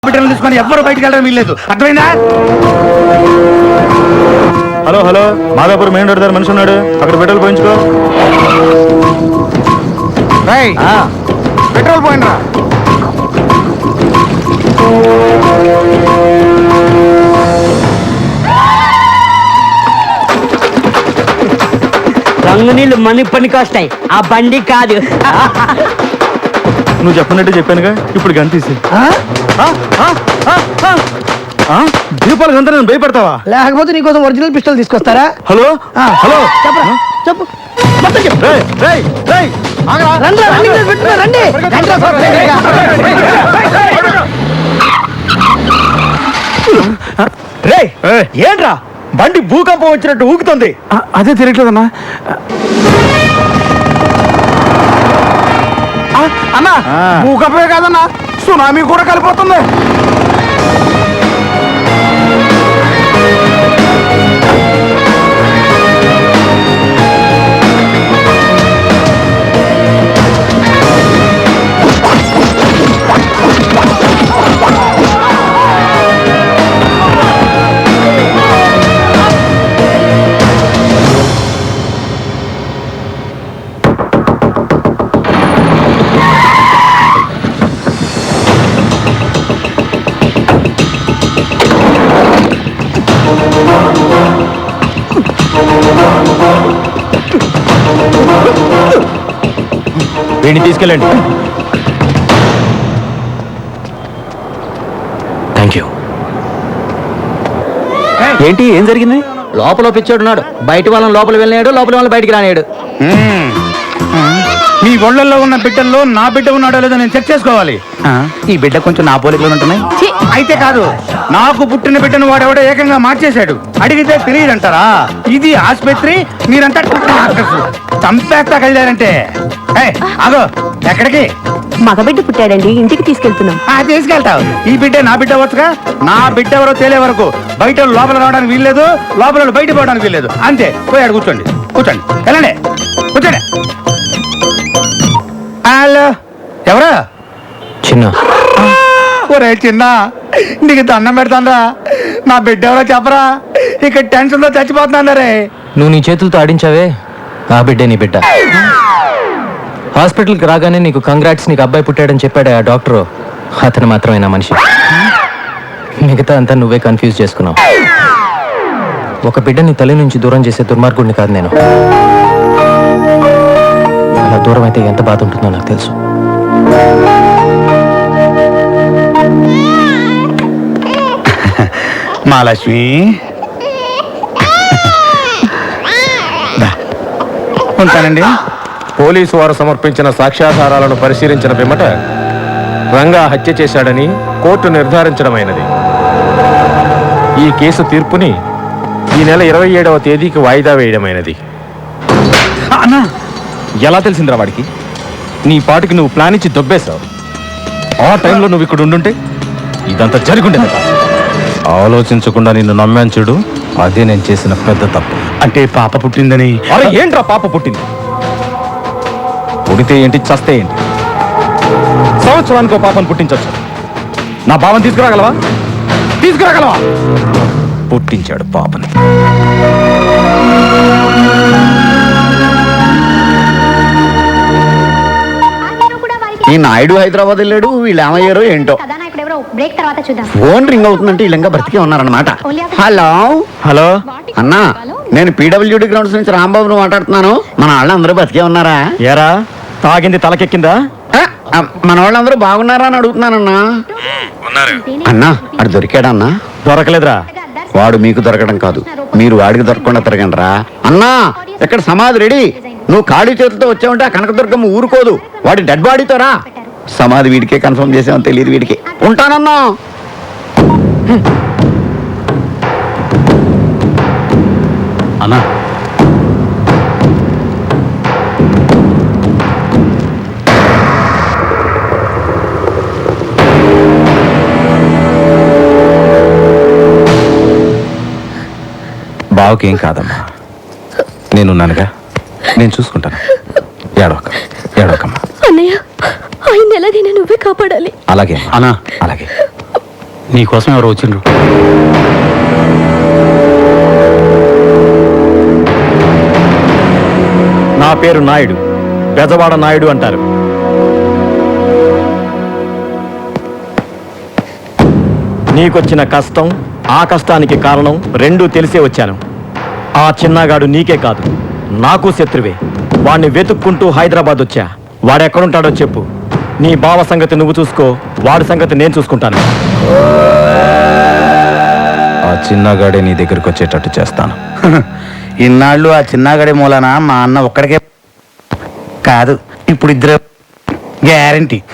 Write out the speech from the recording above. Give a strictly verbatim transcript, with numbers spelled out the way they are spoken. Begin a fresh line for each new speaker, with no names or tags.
బిడ్డలు తీసుకొని ఎవ్వరు బయటికి వెళ్ళడం వీల్లేదు, అర్థమైందా?
Hello hello Madhapur main road దగ్గర మనిషి ఉన్నాడు, అక్కడ పెట్రోల్ పోయించుకో.
పెట్రోల్ పోయినరా?
రంగు నీళ్ళు మని పనికి వస్తాయి, ఆ బండి కాదు.
నువ్వు చెప్పినట్టు చెప్పానుగా, ఇప్పుడు గంతీసి దీపాలు గంత నేను భయపడతావా?
లేకపోతే నీకోసం ఒరిజినల్ పిస్టల్ తీసుకొస్తారా?
హలో హలో
చెప్పరా చెప్పు
రేయ్, రేయ్, రేయ్, ఆగరా.
రండి రండి పెట్టుకో, రండి
రేయ్, ఏంట్రా బండి భూకంపం వచ్చినట్టు ఊగుతుంది?
అదే తిరగట్లేదన్నా.
అన్నా భూకంపమే కాదన్నా, సునామీ కూడా కలిపోతుంది.
వీడిని తీసుకెళ్ళండి. Thank you. ఏంటి, ఏం జరిగింది?
లోపల పిచ్చోడున్నాడు, బయట వాళ్ళని లోపల వెళ్ళినాడు, లోపల వాళ్ళని బయటికి రానాడు.
మీ ఒళ్ళల్లో ఉన్న బిడ్డల్లో నా బిడ్డ ఉన్నాడో లేదో నేను చెక్ చేసుకోవాలి. ఈ బిడ్డ కొంచెం నా పోలికలు ఉంటున్నాయి. అయితే కాదు, నాకు పుట్టిన బిడ్డను వాడెవడో ఏకంగా మార్చేశాడు. అడిగితే తెలియదంటారా? ఇది ఆసుపత్రి, మీరంతా చంపేస్తా కలిదారంటే. అగో ఎక్కడికి?
మగబిడ్డ పుట్టాడండి, ఇంటికి తీసుకెళ్తున్నాం.
తీసుకెళ్తావు. ఈ బిడ్డ నా బిడ్డ వచ్చుగా. నా బిడ్డ ఎవరో తేలే వరకు బయట లోపల రావడానికి వీల్లేదు, లోపల బయట పోవడానికి వీల్లేదు. అంతే. పోయాడు, కూర్చోండి కూర్చోండి వెళ్ళండి, కూర్చోండి. హలో, ఎవరా?
చిన్న.
ఒరే చిన్న, నీకు దండం పెడతాందా? నా బిడ్డ ఎవరో చెప్పరా? ఇక్కడ టెన్షన్ లో చచ్చిపోతున్నా రే.
నువ్వు నీ చేతులతో ఆడించావే, ఆ బిడ్డే నీ బిడ్డ. హాస్పిటల్కి రాగానే నీకు కంగ్రాట్స్, నీకు అబ్బాయి పుట్టాడని చెప్పాడు ఆ డాక్టరు. అతను మాత్రమే నా మనిషి. మిగతా అంతా నువ్వే కన్ఫ్యూజ్ చేసుకున్నావు. ఒక బిడ్డని తల్లి నుంచి దూరం చేసే దుర్మార్గుడిని కాదు నేను. అలా దూరం అయితే ఎంత బాధ ఉంటుందో నాకు తెలుసు.
మహాలక్ష్మి, ఉంటానండి.
పోలీసు వారు సమర్పించిన సాక్ష్యాధారాలను పరిశీలించిన పిమ్మట రంగా హత్య చేశాడని కోర్టు నిర్ధారించడమైనది. ఈ కేసు తీర్పుని ఈ నెల ఇరవై ఏడవ తేదీకి వాయిదా వేయడమైనది.
అన్నా,
ఎలా తెలిసిందిరా వాడికి? నీ పాటికి నువ్వు ప్లాన్ ఇచ్చి దొబ్బేశావు. ఆ టైంలో నువ్వు ఇక్కడ ఉండుంటే ఇదంతా జరుగుండేది. ఆలోచించకుండా నిన్ను నమ్మాను చూడు, అదే నేను చేసిన పెద్ద తప్పు.
అంటే పాప పుట్టిందని?
అరే ఏంట్రా పాప పుట్టింది? పుడితే ఏంటి, చస్తే ఏంటి? సంవత్సరానికి ఒక పాపను పుట్టించవచ్చు. నా బావని తీసుకురాగలవా? తీసుకురాగలవా? పుట్టించాడు పాపని.
ఈ నాయుడు హైదరాబాద్ వెళ్ళాడు, వీళ్ళు ఏమయ్యారో ఏంటో.
బ్రేక్ తర్వాత చూద్దాం.
ఫోన్ రింగ్ అవుతుందంటే వీళ్ళంగా బ్రతికే ఉన్నారనమాట. హలో
హలో
అన్నా, నేను పీడబ్ల్యూడి గ్రౌండ్స్ నుంచి రాంబాబును మాట్లాడుతున్నాను. మన వాళ్ళందరూ బతికే ఉన్నారా?
ఏరా, తాగింది తలకెక్కిందా?
ఆ, మన వాళ్ళందరూ బాగున్నారా అని అడుగుతున్నానన్నా. అన్నా, అడు దొరికాడన్నా?
దొరకలేదురా.
వాడు మీకు దొరకడం కాదు, మీరు వాడికి దొరకకుండా తిరగండి రా. అన్నా, ఇక్కడ సమాధి రెడీ. నువ్వు ఖాళీ చేతులతో వచ్చావంటే ఆ కనకదుర్గమ్మ ఊరుకోదు. వాడి డెడ్ బాడీతో రా. సమాధి వీడికే కన్ఫర్మ్ చేసామని తెలియదు వీడికి. ఉంటానన్నా.
అన్నా,
బావకేం కాదమ్మా, నేనున్నానుగా, నేను చూసుకుంటాను. ఏడవక ఏడవకమ్మా.
అన్నయ్య, ఆయన ఎలాగైనా నువ్వే కాపాడాలి.
అలాగే
అన్నా,
అలాగే.
నీకోసం ఎవరు వచ్చిండ్రు?
నా పేరు నాయుడు, బెజవాడ నాయుడు అంటారు. నీకొచ్చిన కష్టం, ఆ కష్టానికి కారణం రెండూ తెలిసే వచ్చాను. ఆ చిన్నగాడు నీకే కాదు, నాకు శత్రువే. వాణ్ణి వెతుక్కుంటూ హైదరాబాద్ వచ్చా. వాడెక్కడుంటాడో చెప్పు. నీ బావ సంగతి నువ్వు చూసుకో, వాడి సంగతి నేను చూసుకుంటాను. ఆ చిన్నగాడే నీ దగ్గరికి వచ్చేటట్టు చేస్తాను.
ఇన్నాళ్ళు ఆ చిన్నగడి మూలన మా అన్న ఒక్కడికే కాదు, ఇప్పుడు ఇద్దరు గ్యారంటీ.